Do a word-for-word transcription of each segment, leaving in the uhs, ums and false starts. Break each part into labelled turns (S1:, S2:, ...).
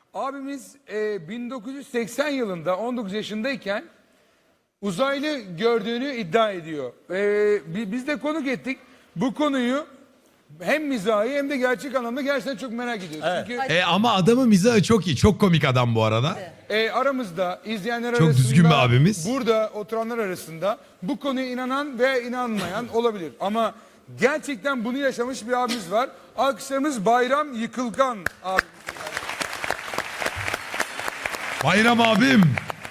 S1: Abimiz e, bin dokuz yüz seksen yılında on dokuz yaşındayken uzaylı gördüğünü iddia ediyor. E, bi- biz de konuk ettik. Bu konuyu hem mizahi hem de gerçek anlamda gerçekten çok merak ediyoruz. Çünkü
S2: E, ama adamın mizahı çok iyi. Çok komik adam bu arada.
S1: e, aramızda izleyenler
S2: Çok
S1: arasında,
S2: düzgün bir abimiz.
S1: burada oturanlar arasında bu konuya inanan ve inanmayan olabilir. Ama gerçekten bunu yaşamış bir abimiz var. Alkışlarımız Bayram Yıkılgan abi.
S2: Bayram abim.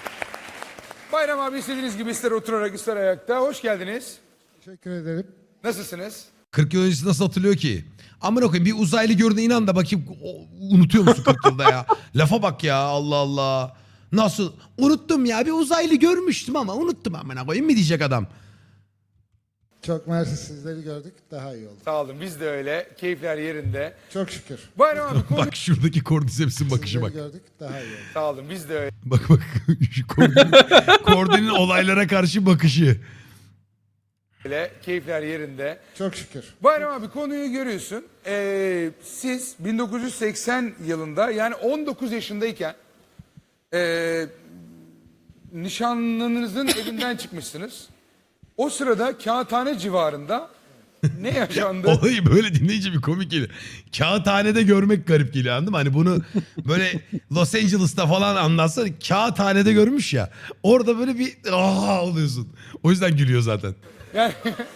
S1: Bayram abi istediğiniz gibi ister oturarak ister ayakta. Hoş geldiniz.
S3: Teşekkür ederim.
S1: Nasılsınız?
S2: kırk yıl öncesi nasıl hatırlıyor ki? Amına koyayım, bir uzaylı gördüğüne inan da bakayım, o- unutuyor musun kırk yılda ya? Lafa bak ya, Allah Allah. Nasıl? Unuttum ya, bir uzaylı görmüştüm ama unuttum amına koyayım mı diyecek adam.
S3: Çok mersi, sizleri gördük. Daha iyi oldu.
S1: Sağ olun biz de öyle. Keyifler yerinde.
S3: Çok şükür.
S1: Bayram abi konu...
S2: Bak şuradaki Cordyceps'in bakışı
S3: Sizleri
S2: bak.
S3: gördük. Daha iyi oldu.
S1: Sağ olun biz de öyle.
S2: Bak bak şu Cordy'nin Cordy'nin olaylara karşı bakışı.
S1: Keyifler yerinde.
S3: Çok şükür.
S1: Bayram abi konuyu görüyorsun. Ee, siz bin dokuz yüz seksen yılında yani on dokuz yaşındayken ee, nişanlınızın evinden çıkmışsınız. O sırada Kağıthane civarında ne yaşandı?
S2: Olayı böyle dinleyince bir komik geliyor. Kağıthanede görmek garip geliyor, anladın mı? Hani bunu böyle Los Angeles'ta falan anlatsa, kağıthanede görmüş ya. Orada böyle bir aa oluyorsun. O yüzden gülüyor zaten.
S1: Yani,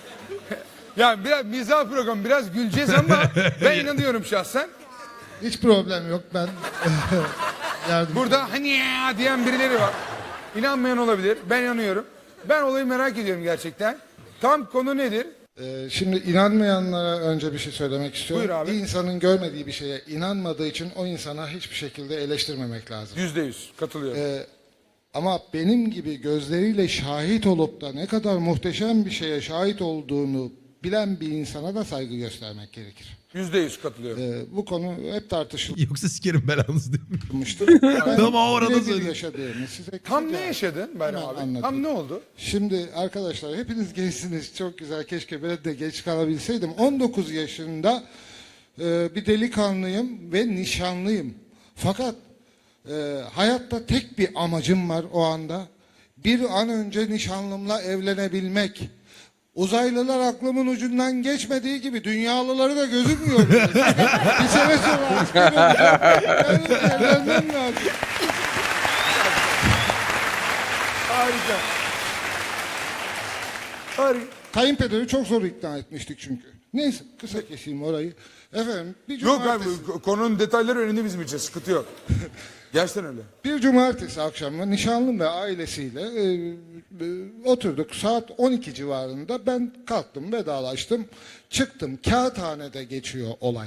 S1: yani biraz mizah programı biraz güleceğiz ama ben inanıyorum şahsen.
S3: Hiç problem yok. Ben yardım.
S1: Burada hani ya diyen birileri var. İnanmayan olabilir. Ben inanıyorum. Ben olayı merak ediyorum gerçekten. Tam konu nedir?
S3: Ee, şimdi inanmayanlara önce bir şey söylemek istiyorum.
S1: Buyur abi.
S3: Bir insanın görmediği bir şeye inanmadığı için o insana hiçbir şekilde eleştirmemek lazım.
S1: Yüzde yüz katılıyorum.
S3: Ee, ama benim gibi gözleriyle şahit olup da ne kadar muhteşem bir şeye şahit olduğunu bilen bir insana da saygı göstermek gerekir.
S1: Yüzde yüz katılıyorum.
S3: Ee, bu konu hep tartışılmıştır.
S2: Yoksa sikerim belanızı değil mi?
S3: Ben
S2: Ama orada
S3: birebir
S2: söyle.
S3: yaşadığımı size
S1: Tam
S3: kısaca
S1: ne yaşadın Bayram
S3: hemen
S1: abi?
S3: anlatayım.
S1: Tam ne oldu?
S3: Şimdi arkadaşlar hepiniz gençsiniz. Çok güzel. Keşke ben de geç kalabilseydim. on dokuz yaşında e, bir delikanlıyım ve nişanlıyım. Fakat e, hayatta tek bir amacım var o anda. Bir an önce nişanlımla evlenebilmek. Uzaylılar aklımın ucundan geçmediği gibi dünyalıları da gözüm görmüyor. Bir sene sonra asker olacağım. Yani evlenmem lazım.
S1: Harika. Harika.
S3: Kayınpederi çok zor ikna etmiştik çünkü. Neyse kısa keseyim orayı. Efendim bir
S1: Yok abi
S3: cumartesi,
S1: konunun detayları önemli bizim için. Sıkıntı yok. Gerçekten öyle.
S3: bir cumartesi akşamı nişanlım ve ailesiyle e, e, oturduk. Saat on iki civarında ben kalktım, vedalaştım. Çıktım. Kağıthane'de geçiyor olay.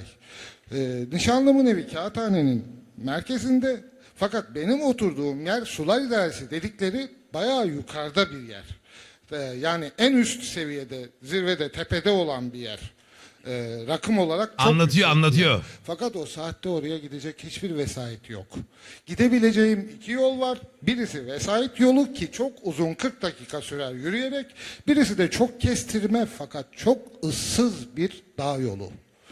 S3: E, nişanlımın evi Kağıthane'nin merkezinde. Fakat benim oturduğum yer Sular İdaresi dedikleri bayağı yukarıda bir yer. E, yani en üst seviyede, zirvede, tepede olan bir yer. E, rakım olarak çok
S2: Anlatıyor,
S3: yüksek bir
S2: anlatıyor.
S3: yer. Fakat o saatte oraya gidecek hiçbir vesait yok. Gidebileceğim iki yol var. Birisi vesait yolu ki çok uzun, kırk dakika sürer yürüyerek. Birisi de çok kestirme fakat çok ıssız bir dağ yolu.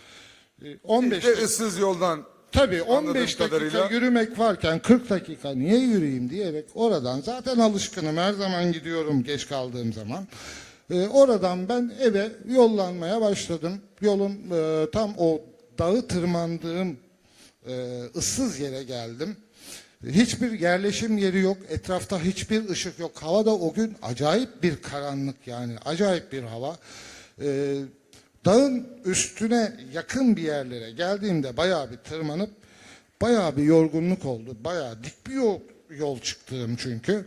S3: E, on beş
S1: İşte ıssız yoldan.
S3: Tabii on
S1: Anladığım
S3: beş dakika
S1: kadarıyla-
S3: yürümek varken kırk dakika niye yürüyeyim diyerek oradan zaten alışkınım, her zaman gidiyorum geç kaldığım zaman. Ee, oradan ben eve yollanmaya başladım. Yolun e, tam o dağı tırmandığım e, ıssız yere geldim. Hiçbir yerleşim yeri yok. Etrafta hiçbir ışık yok. Havada o gün acayip bir karanlık, yani acayip bir hava. Ee, dağın üstüne yakın bir yerlere geldiğimde bayağı bir tırmanıp bayağı bir yorgunluk oldu. Bayağı dik bir yol, yol çıktım çünkü.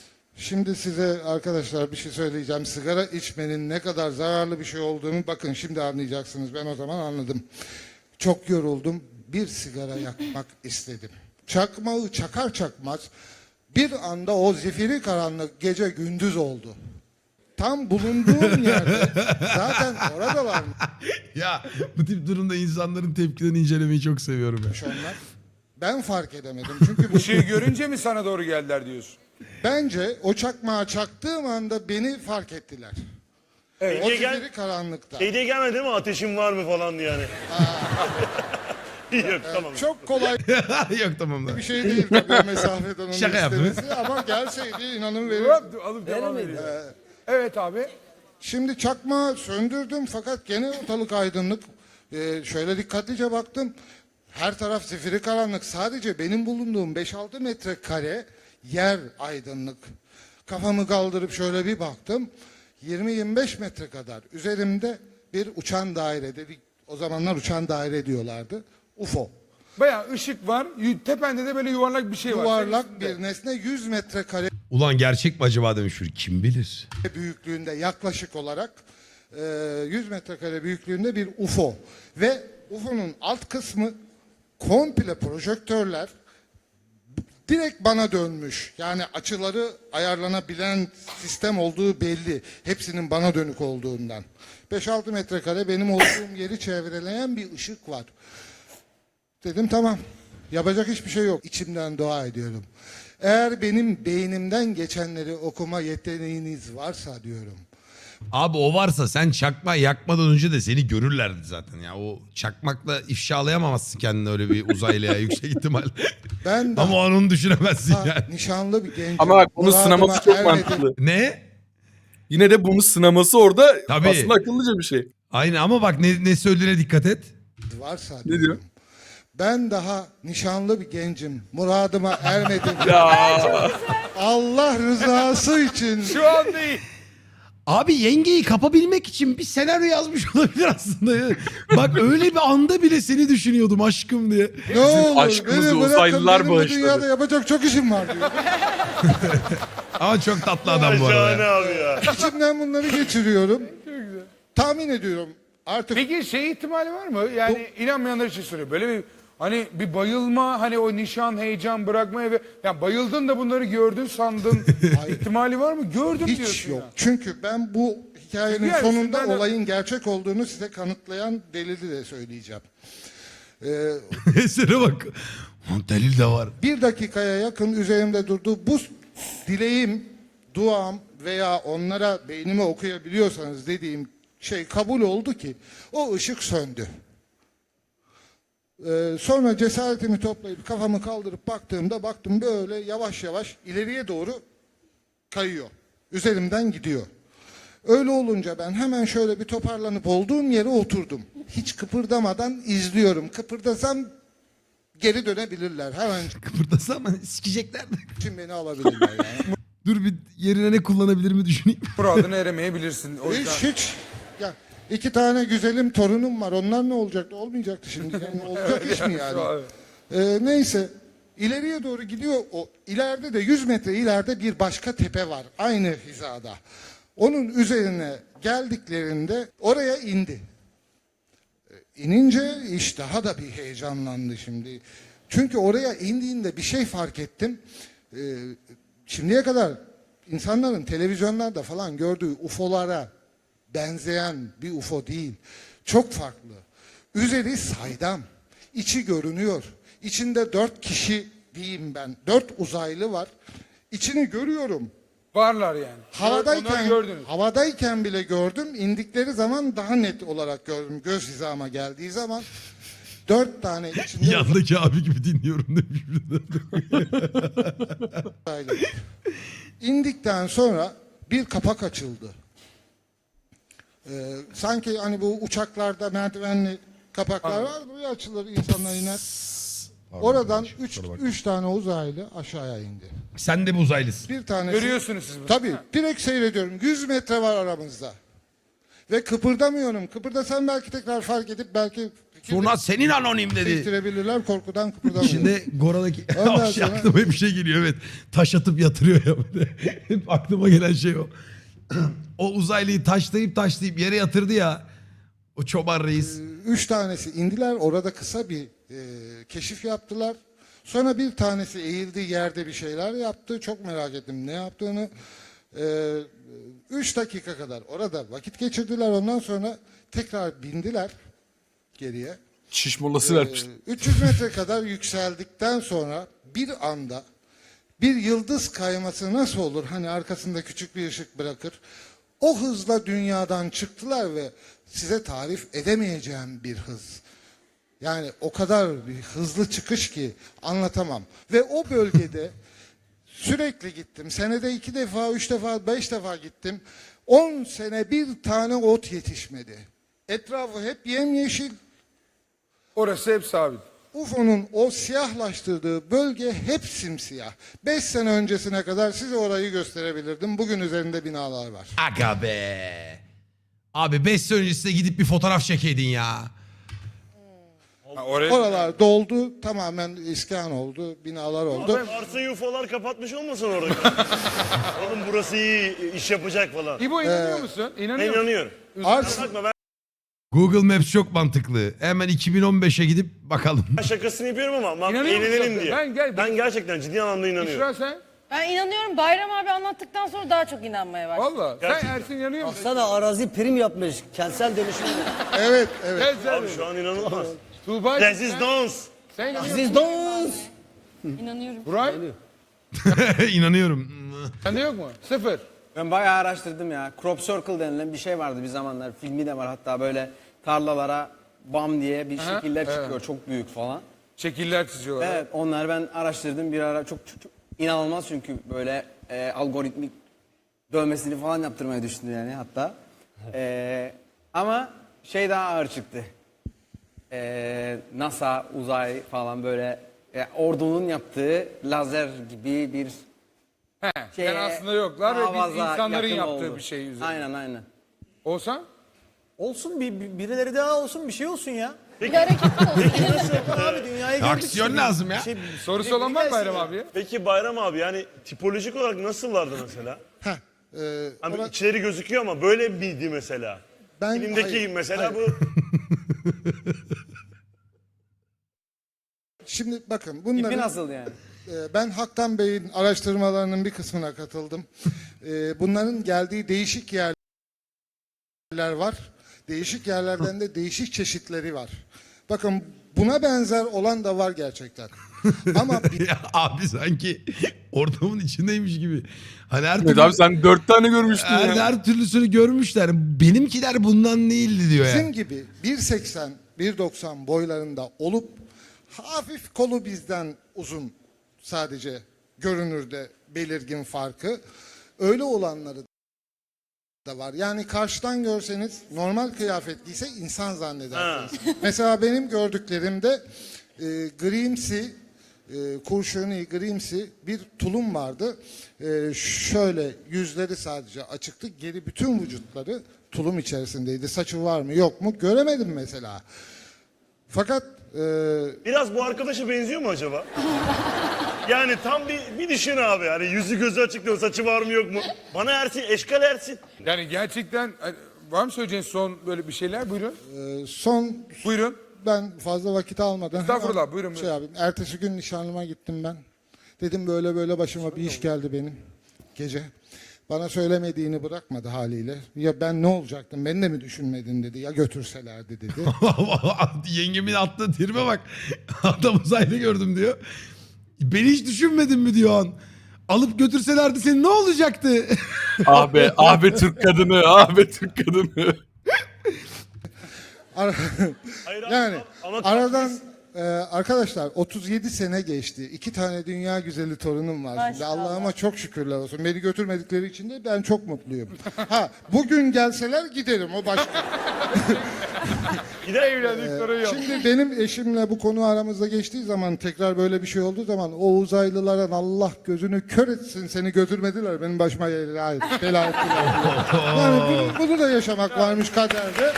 S3: Şimdi size arkadaşlar bir şey söyleyeceğim. Sigara içmenin ne kadar zararlı bir şey olduğunu bakın şimdi anlayacaksınız. Ben o zaman anladım. Çok yoruldum. Bir sigara yakmak istedim. Çakmağı çakar çakmaz bir anda o zifiri karanlık gece gündüz oldu. Tam bulunduğum yerde zaten orada varmış
S2: Ya bu tip durumda insanların tepkilerini incelemeyi çok seviyorum ya.
S3: onlar. Ben fark edemedim. Çünkü bu
S1: Işığı görünce mi sana doğru geldiler diyorsun?
S3: bence o çakmağı çaktığım anda beni fark ettiler.
S1: Evet.
S3: O
S4: Gece gel-
S3: zifiri karanlıkta.
S4: Şey diye gelmedi değil mi? Ateşin var mı falan diye yani. Yok tamam.
S3: Çok kolay
S2: Yok tamam da.
S3: bir şey değil tabii o mesafeden onu
S2: Şaka yaptım.
S3: istemesi ama gelseydi inanın verir.
S1: Hop, alıp devam ediyor. Evet abi.
S3: Şimdi çakmağı söndürdüm fakat gene ortalık aydınlık. Ee, şöyle dikkatlice baktım. Her taraf zifiri karanlık. Sadece benim bulunduğum beş altı metrekare yer aydınlık. Kafamı kaldırıp şöyle bir baktım. yirmi yirmi beş metre kadar üzerimde bir uçan daire dedik. O zamanlar uçan daire diyorlardı. U F O.
S1: Bayağı ışık var. yu- Tepende de böyle yuvarlak bir şey var.
S3: Yuvarlak bir nesne yüz metrekare
S2: Ulan gerçek mi acaba demiş şur. Kim bilir?
S3: büyüklüğünde yaklaşık olarak e, yüz metrekare büyüklüğünde bir U F O. Ve U F O'nun alt kısmı komple projektörler direkt bana dönmüş. Yani açıları ayarlanabilen sistem olduğu belli. Hepsinin bana dönük olduğundan. beş altı metrekare benim olduğum yeri çevreleyen bir ışık var. Dedim tamam. Yapacak hiçbir şey yok. İçimden dua ediyorum. Eğer benim beynimden geçenleri okuma yeteneğiniz varsa diyorum.
S2: Abi o varsa sen çakma yakmadan önce de seni görürlerdi zaten ya. O çakmakla ifşalayamamazsın kendini öyle bir uzaylıya yüksek ihtimal.
S3: Ben de
S2: Ama onu düşünemezsin
S3: ha,
S2: yani.
S3: nişanlı bir gencim.
S5: Ama bak bunun
S3: Muradıma
S5: sınaması çok
S3: ermedim.
S5: mantıklı.
S2: Ne?
S5: Yine de bunun sınaması orada
S2: Tabii.
S5: aslında akıllıca bir şey.
S2: Aynen ama bak ne, ne söylediğine dikkat et.
S3: Varsa
S5: Ne
S3: diyorum.
S5: diyor?
S3: Ben daha nişanlı bir gencim. Muradıma ermedim.
S5: Ya
S3: Allah rızası için.
S1: Şu an değil.
S2: Abi yengeyi kapabilmek için bir senaryo yazmış olabilir aslında. Bak öyle bir anda bile seni düşünüyordum aşkım diye.
S3: Ne olur
S5: aşkımızı
S3: beni bırakın,
S5: uzaylılar
S3: benim bu
S5: bağışladı.
S3: dünyada yapacak çok işim var diyor.
S2: Ama çok tatlı adam bu
S4: Şahane
S2: arada.
S4: abi ya.
S3: İçimden bunları geçiriyorum. Tahmin ediyorum artık
S1: Peki şey ihtimali var mı? Yani inanmayanlar için soruyor. Böyle bir hani bir bayılma, hani o nişan, heyecan bırakmaya ve ya bayıldın da bunları gördün sandın ihtimali var mı? Gördüm
S3: hiç
S1: diyorsun
S3: yok.
S1: ya.
S3: Çünkü ben bu hikayenin
S1: Yani
S3: sonunda
S1: üstünden de-
S3: olayın gerçek olduğunu size kanıtlayan delili de söyleyeceğim. Ee,
S2: Esere bak. Lan delil de var.
S3: bir dakikaya yakın üzerimde durdu. Bu dileğim, duam veya onlara beynimi okuyabiliyorsanız dediğim şey kabul oldu ki o ışık söndü. Ee, sonra cesaretimi toplayıp kafamı kaldırıp baktığımda baktım böyle yavaş yavaş ileriye doğru kayıyor. Üzerimden gidiyor. Öyle olunca ben hemen şöyle bir toparlanıp olduğum yere oturdum. Hiç kıpırdamadan izliyorum. Kıpırdasam geri dönebilirler. Hemen
S2: Kıpırdasa ama sikecekler de.
S3: için beni alabilirler yani.
S2: Dur bir yerine ne kullanabilir mi düşüneyim.
S1: Muradına eremeyebilirsin. O yüzden.
S3: Hiç hiç. Ya iki tane güzelim torunum var. Onlar ne olacaktı? Olmayacaktı şimdi. Yani olacak iş mi yani? Ee, neyse. İleriye doğru gidiyor. O ileride de yüz metre ileride bir başka tepe var. Aynı hizada. Onun üzerine geldiklerinde oraya indi. Ee, İnince iş daha da bir heyecanlandı şimdi. Çünkü oraya indiğinde bir şey fark ettim. Ee, şimdiye kadar insanların televizyonlarda falan gördüğü U F O'lara benzeyen bir U F O değil. Çok farklı. Üzeri saydam. İçi görünüyor. İçinde dört kişi diyeyim ben. Dört uzaylı var. İçini görüyorum.
S1: Varlar yani. Onları
S3: Havadayken,
S1: gördünüz.
S3: havadayken bile gördüm. İndikleri zaman daha net olarak gördüm. Göz hizama geldiği zaman. Dört tane içinde
S2: Yandaki abi gibi dinliyorum demiş.
S3: uzaylı. İndikten sonra bir kapak açıldı. Ee, sanki hani bu uçaklarda merdivenli kapaklar var. Buraya açılır, insanlar iner. Oradan üç, üç tane uzaylı aşağıya indi.
S2: Sen de bir uzaylısın.
S3: Bir tanesi...
S1: Görüyorsunuz siz bunu.
S3: Tabii. Direkt seyrediyorum. yüz metre var aramızda. Ve kıpırdamıyorum. Kıpırdasam belki tekrar fark edip belki
S2: Sonra senin anonim dedi.
S3: değiştirebilirler. Korkudan kıpırdamıyorum.
S2: Şimdi Gora'daki
S3: Ondan
S2: o şey
S3: sonra-
S2: aklıma bir şey geliyor evet. Taş atıp yatırıyor ya böyle. Hep aklıma gelen şey o. O uzaylıyı taşlayıp taşlayıp yere yatırdı ya. O çoban reis.
S3: Üç tanesi indiler. Orada kısa bir e, keşif yaptılar. Sonra bir tanesi eğildi, yerde bir şeyler yaptı. Çok merak ettim ne yaptığını. E, üç dakika kadar orada vakit geçirdiler. Ondan sonra tekrar bindiler geriye.
S5: şiş molası
S3: Ee,
S5: vermişti.
S3: üç yüz metre kadar yükseldikten sonra bir anda bir yıldız kayması nasıl olur? Hani arkasında küçük bir ışık bırakır. O hızla dünyadan çıktılar ve size tarif edemeyeceğim bir hız. Yani o kadar bir hızlı çıkış ki anlatamam. Ve o bölgede sürekli gittim. Senede iki defa, üç defa, beş defa gittim. On sene bir tane ot yetişmedi. Etrafı hep yemyeşil.
S1: Orası hep sabit.
S3: U F O'nun o siyahlaştırdığı bölge hep simsiyah. Beş sene öncesine kadar size orayı gösterebilirdim. Bugün üzerinde binalar var.
S2: Aga be. Abi beş sene öncesine gidip bir fotoğraf çekeydin ya.
S1: Ha, oraya...
S3: Oralar doldu, tamamen iskan oldu, binalar oldu.
S4: Arsayı U F O'lar kapatmış olmasın orada? Oğlum burası iyi iş yapacak falan.
S1: İbo inanıyor musun?
S4: Ben
S1: İnanıyor musun?
S4: inanıyorum.
S3: Ars
S4: Bakma ben
S2: Google Maps çok mantıklı. Hemen iki bin on beşe gidip bakalım.
S4: şakasını yapıyorum ama bak
S1: İnanıyor musun
S4: eğlenelim
S1: sen?
S4: diye.
S1: Ben gel-
S4: Ben gerçekten ciddi anlamda inanıyorum.
S1: İşra sen?
S6: Ben inanıyorum. Bayram abi anlattıktan sonra daha çok inanmaya başladım.
S1: Valla. Sen
S4: Gerçekten.
S1: Ersin inanıyor musun?
S7: Sana arazi prim yapmış. Kentsel dönüşüm.
S3: Evet, evet.
S1: Gel sen.
S4: Abi şu an inanılmaz.
S1: Tuğba.
S4: Rezistans.
S1: Sen inanıyor musun?
S7: Siz dons.
S6: İnanıyorum.
S1: Buray.
S2: İnanıyorum.
S1: Sende yok mu? Sıfır.
S8: Ben bayağı araştırdım ya. Crop circle denilen bir şey vardı bir zamanlar. Filmi de var hatta böyle tarlalara bam diye bir
S1: Aha,
S8: şekiller
S1: evet.
S8: çıkıyor. Çok büyük falan.
S1: Şekiller çiziyorlar.
S8: Evet onları ben araştırdım bir ara. Çok, çok, çok inanılmaz çünkü böyle e, algoritmik dövmesini falan yaptırmayı düşündüm yani hatta. E, ama şey daha ağır çıktı. E, NASA, uzay falan böyle e, ordunun yaptığı lazer gibi bir
S1: He,
S8: şeye,
S1: yani aslında yoklar ve biz
S8: havaza
S1: insanların
S8: yakın
S1: yaptığı
S8: oldu.
S1: bir şey üzerine.
S8: Aynen aynen.
S1: Olsa?
S7: Olsun bir, bir- birileri daha olsun bir şey olsun ya.
S6: Bir hareket olsun.
S7: Abi dünyayı gördük.
S2: Aksiyon
S7: işte.
S2: lazım ya.
S7: Bir şey-
S1: Sorusu
S7: bir-
S1: olan var mı
S7: gelsin
S1: Bayram
S7: ya.
S1: abiye?
S4: Peki Bayram abi yani tipolojik olarak nasıllardı mesela?
S3: Heh, e,
S4: Hani
S3: ora-
S4: içleri gözüküyor ama böyle miydi mesela?
S3: ben,
S4: Filmdeki
S3: hayır,
S4: mesela
S3: hayır.
S4: bu
S3: Şimdi bakın
S8: İpi
S3: bunların...
S8: nasıl yani?
S3: Ee, Ben Haktan Bey'in araştırmalarının bir kısmına katıldım. Ee, Bunların geldiği değişik yerler var. Değişik yerlerden de değişik çeşitleri var. Bakın buna benzer olan da var gerçekten. Ama bir-
S2: Ya abi sanki ortamın içindeymiş gibi. Hani her
S5: Evet
S2: türlü,
S5: abi sen dört tane görmüştün
S2: her,
S5: ya.
S2: her türlüsünü görmüşler. Benimkiler bundan değildi diyor ya.
S3: bizim gibi bir seksen bir doksan boylarında olup hafif kolu bizden uzun sadece görünürde belirgin farkı. Öyle olanları da var. Yani karşıdan görseniz normal kıyafet giyse insan zannedersiniz. Mesela benim gördüklerimde e, grimsi, e, kurşuni grimsi bir tulum vardı. E, şöyle yüzleri sadece açıktı. Geri bütün vücutları tulum içerisindeydi. Saçı var mı yok mu göremedim mesela. Fakat e,
S4: biraz bu arkadaşa benziyor mu acaba? Yani tam bir, bir düşün abi. Hani yüzü gözü açık diyor, saçı var mı yok mu? Bana Ersin, eşkal Ersin.
S1: Yani gerçekten hani, var mı söyleyeceğiniz son böyle bir şeyler? Buyurun.
S3: e, son
S1: Buyurun.
S3: ben fazla vakit almadan
S1: Estağfurullah,
S3: hemen
S1: buyurun,
S3: şey
S1: buyurun.
S3: yapayım. Ertesi gün nişanlıma gittim ben. Dedim böyle böyle başıma bir iş geldi benim gece. Bana söylemediğini bırakmadı haliyle. Ya ben ne olacaktım? Beni de mi düşünmedin dedi. Ya götürselerdi dedi.
S2: Yengemin attığı tribe bak. Adam uzaylı gördüm diyor. Beni hiç düşünmedin mi diyor an. Alıp götürselerdi senin ne olacaktı?
S5: Ah be, ah be Türk kadını, ah be Türk kadını.
S3: Ara-
S4: Hayır abi,
S3: yani
S4: ama
S3: aradan e, arkadaşlar otuz yedi sene geçti. İki tane dünya güzeli torunum var. Şimdi
S6: Maşallah.
S3: Allah'ıma çok şükürler olsun. Beni götürmedikleri için de ben çok mutluyum. Ha bugün gelseler giderim o başka.
S4: gider
S1: Evlendik sorun yok.
S3: Şimdi benim eşimle bu konu aramızda geçtiği zaman tekrar böyle bir şey olduğu zaman o uzaylıların Allah gözünü kör etsin seni götürmediler benim başıma bela et- bela ettiler. Yani bunu, bunu da yaşamak varmış kaderde.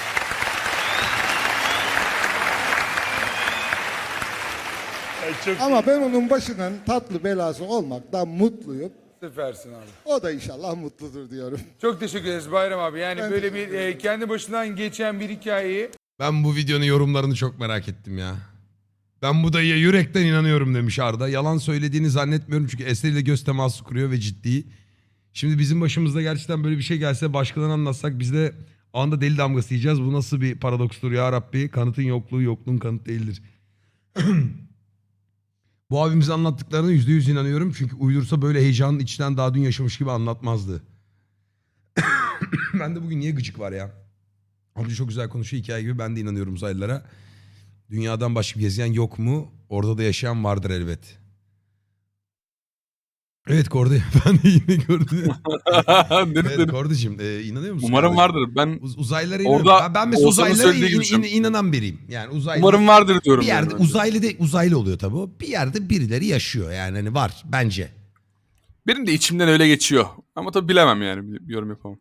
S4: Ay, çok
S3: Ama ben onun başının tatlı belası olmaktan mutluyum.
S1: Süpersin abi.
S3: O da inşallah mutludur diyorum.
S1: Çok teşekkür ederiz Bayram abi. Yani
S3: Ben
S1: böyle
S3: teşekkür
S1: bir e, kendi başından geçen bir hikayeyi
S2: Ben bu videonun yorumlarını çok merak ettim ya. Ben bu dayıya yürekten inanıyorum demiş Arda. Yalan söylediğini zannetmiyorum çünkü eseriyle göz teması kuruyor ve ciddi. Şimdi bizim başımızda gerçekten böyle bir şey gelse başkalarına anlatsak biz de anda deli damgası yiyeceğiz. Bu nasıl bir paradokstur ya Rabbi? Kanıtın yokluğu yokluğun kanıt değildir. Bu abimizin anlattıklarına yüzde yüz inanıyorum. Çünkü uydursa böyle heyecanın içten daha dün yaşamış gibi anlatmazdı. Ben de bugün niye gıcık var ya? Amca çok güzel konuşuyor hikaye gibi ben de inanıyorum uzaylılara. Dünyadan başka bir gezegen yok mu? Orada da yaşayan vardır elbet. Evet Kordi, ben de yine gördüm.
S5: Dedim,
S2: Evet
S5: dedim.
S2: Kordi'cim e, inanıyor musun?
S5: Umarım
S2: kardeşim?
S5: vardır. Ben
S2: Uz- uzaylılara
S5: Orada
S2: inanıyorum. Ben, ben mesela
S5: Oğuzhan'ın
S2: uzaylılara
S5: söylediği
S2: in-
S5: gibi
S2: in-
S5: düşünüyorum.
S2: inanan biriyim. Yani uzaylı,
S5: umarım vardır diyorum.
S2: bir yerde
S5: yani.
S2: uzaylı de uzaylı oluyor tabii o. Bir yerde birileri yaşıyor yani hani var bence.
S5: Benim de içimden öyle geçiyor. Ama tabii bilemem yani. Bir yorum yapamam.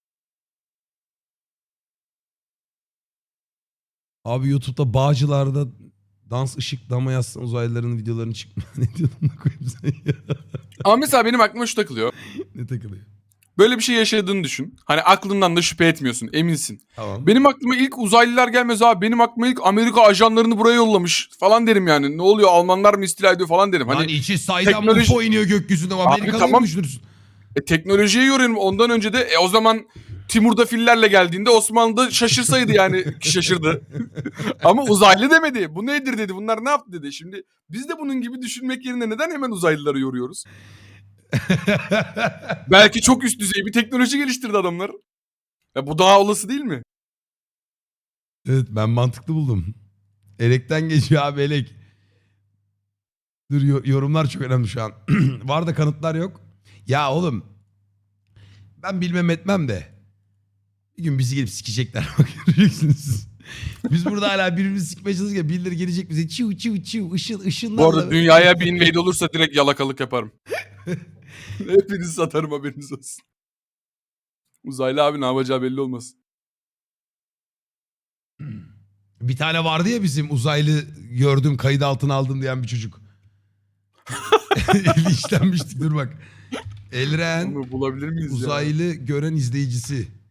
S2: Abi YouTube'da Bağcılar'da dans ışık dama yazsın uzaylıların videolarını çıkma. Ne diyordun da koyayım sen ya?
S5: Ama mesela benim aklıma şu takılıyor.
S2: Ne takılıyor?
S5: Böyle bir şey yaşadığını düşün. Hani aklından da şüphe etmiyorsun. Eminsin.
S2: Tamam.
S5: Benim aklıma ilk uzaylılar gelmez abi. Benim aklıma ilk Amerika ajanlarını buraya yollamış falan derim yani. Ne oluyor, Almanlar mı istila ediyor falan derim.
S2: Lan
S5: Hani
S2: içi saydan
S5: teknoloji-
S2: U F O iniyor gökyüzünde. Amerikalı'yı
S5: tamam.
S2: mı düşünürsün?
S5: e, teknolojiye yoruyorum. Ondan önce de e, o zaman Timur'da fillerle geldiğinde Osmanlı'da şaşırsaydı yani şaşırdı. Ama uzaylı demedi. Bu nedir dedi. Bunlar ne yaptı dedi. Şimdi biz de bunun gibi düşünmek yerine neden hemen uzaylıları yoruyoruz? Belki çok üst düzey bir teknoloji geliştirdi adamlar. Ya bu daha olası değil mi?
S2: Evet ben mantıklı buldum. Elekten geçiyor abi elek. Dur yo- yorumlar çok önemli şu an. Var da kanıtlar yok. Ya oğlum ben bilmem etmem de bir gün bizi gelip sikecekler bak göreceksiniz. Biz burada hala birbirimizi sikmeye çalışırken birileri gelecek bize çiu çiu çiu ışın ışınlarla.
S5: Bu arada dünyaya bir invade olursa direkt yalakalık yaparım. Hepinizi satarım haberiniz olsun. Uzaylı abi ne yapacağı belli olmaz.
S2: Bir tane vardı ya bizim uzaylı gördüm kayıt altına aldım diyen bir çocuk. Eli işlenmiştik dur bak. Elren
S5: Onu bulabilir miyiz ya?
S2: uzaylı gören izleyicisi.